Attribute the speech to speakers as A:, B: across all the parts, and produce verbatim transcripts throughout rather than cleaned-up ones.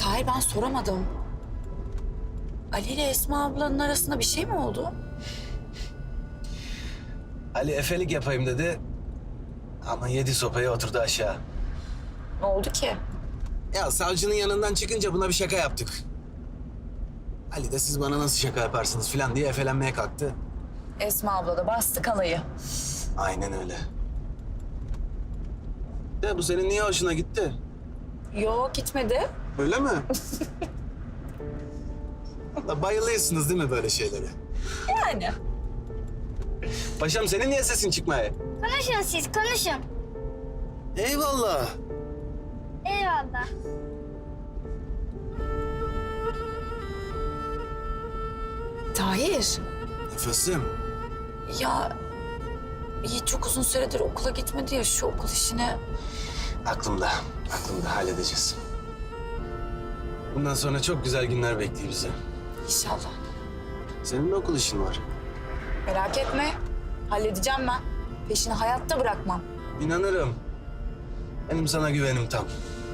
A: Tahir, ben soramadım. Ali ile Esma ablanın arasında bir şey mi oldu?
B: Ali efelik yapayım dedi. Ama yedi sopayı oturdu aşağı.
A: Ne oldu ki?
B: Ya savcının yanından çıkınca buna bir şaka yaptık. Ali de siz bana nasıl şaka yaparsınız falan diye efelenmeye kalktı.
A: Esma abla da bastı kalayı.
B: Aynen öyle. De bu senin niye hoşuna gitti?
A: Yok, gitmedi.
B: Öyle mi? Da bayılıyorsunuz değil mi böyle şeylere?
A: Yani.
B: Paşam senin niye sesin çıkmaya?
C: Konuşun siz, konuşun.
B: Eyvallah.
C: Eyvallah.
A: Tahir,
B: Nefesim.
A: ya Yiğit çok uzun süredir okula gitmedi ya, şu okul işine.
B: Aklımda. Aklımda halledeceğiz. Bundan sonra çok güzel günler bekliyor bizi.
A: İnşallah.
B: Senin de okul işin var.
A: Merak etme, halledeceğim ben. Peşini hayatta bırakmam.
B: İnanırım. Benim sana güvenim tam.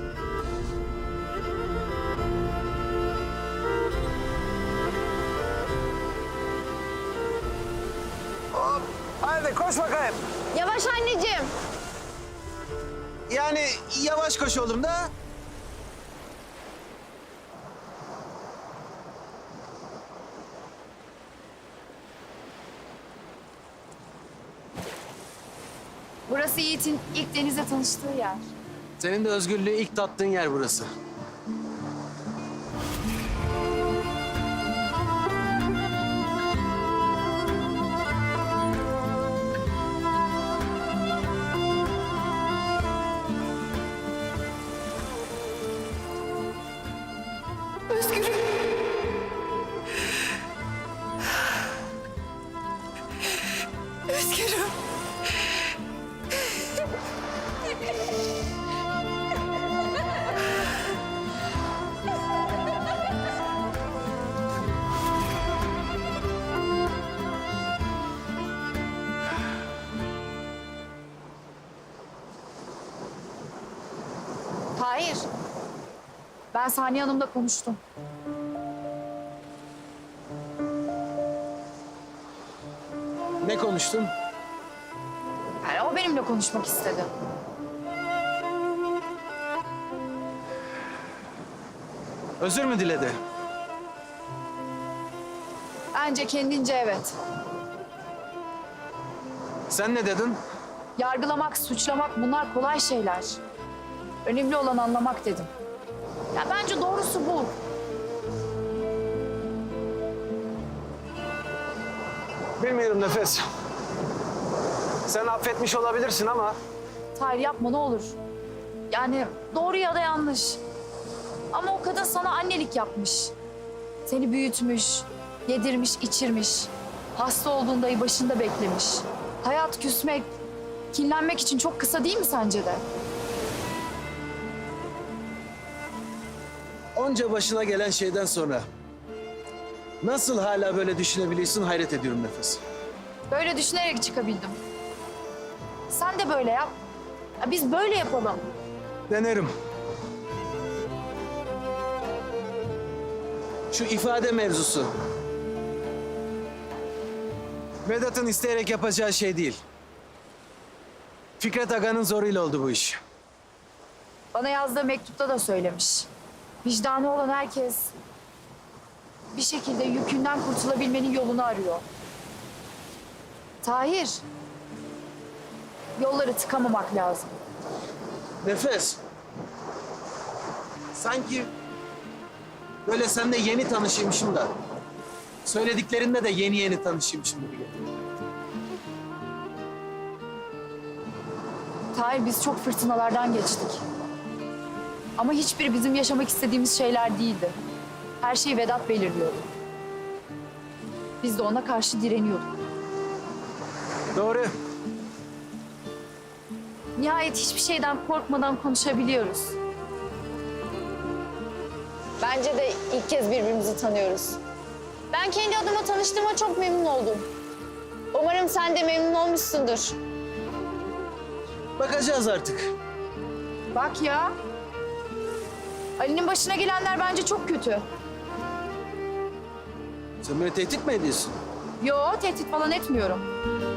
B: Hop, hadi koş bakayım.
C: Yavaş anneciğim.
B: Yani yavaş koş oğlum da.
D: Burası Yiğit'in ilk denizle tanıştığı yer.
B: Senin de özgürlüğü ilk tattığın yer burası.
A: Özgürüm. Özgürüm.
D: Tahir, ben Saniye Hanım'la konuştum.
B: Ne konuştun?
D: Yani o benimle konuşmak istedi.
B: Özür mü diledi?
D: Bence kendince evet.
B: Sen ne dedin?
D: Yargılamak, suçlamak bunlar kolay şeyler. Önemli olan anlamak dedim. Ya bence doğrusu bu.
B: Bilmiyorum Nefes. Sen affetmiş olabilirsin ama...
D: Tahir yapma ne olur. Yani doğru ya da yanlış. Ama o kadın sana annelik yapmış. Seni büyütmüş, yedirmiş, içirmiş. Hasta olduğunda ayı başında beklemiş. Hayat küsmek, kinlenmek için çok kısa değil mi sence de?
B: Onca başına gelen şeyden sonra... nasıl hala böyle düşünebiliyorsun hayret ediyorum Nefes.
D: Böyle düşünerek çıkabildim. Sen de böyle yap. Ya biz böyle yapalım.
B: Denerim. Şu ifade mevzusu. Vedat'ın isteyerek yapacağı şey değil. Fikret Aga'nın zoruyla oldu bu iş.
D: Bana yazdığı mektupta da söylemiş. Vicdanı olan herkes bir şekilde yükünden kurtulabilmenin yolunu arıyor. Tahir, yolları tıkamamak lazım.
B: Nefes. Sanki böyle seninle yeni tanışıymışım da... söylediklerinde de yeni yeni tanışıymışım gibi geliyor.
D: Tahir, biz çok fırtınalardan geçtik. Ama hiçbiri bizim yaşamak istediğimiz şeyler değildi. Her şeyi Vedat belirliyordu. Biz de ona karşı direniyorduk.
B: Doğru.
D: Nihayet hiçbir şeyden korkmadan konuşabiliyoruz. Bence de ilk kez birbirimizi tanıyoruz.
C: Ben kendi adıma tanıştığıma çok memnun oldum. Umarım sen de memnun olmuşsundur.
B: Bakacağız artık.
D: Bak ya. Ali'nin başına gelenler bence çok kötü.
B: Sen beni tehdit mi ediyorsun?
D: Yo, tehdit falan etmiyorum.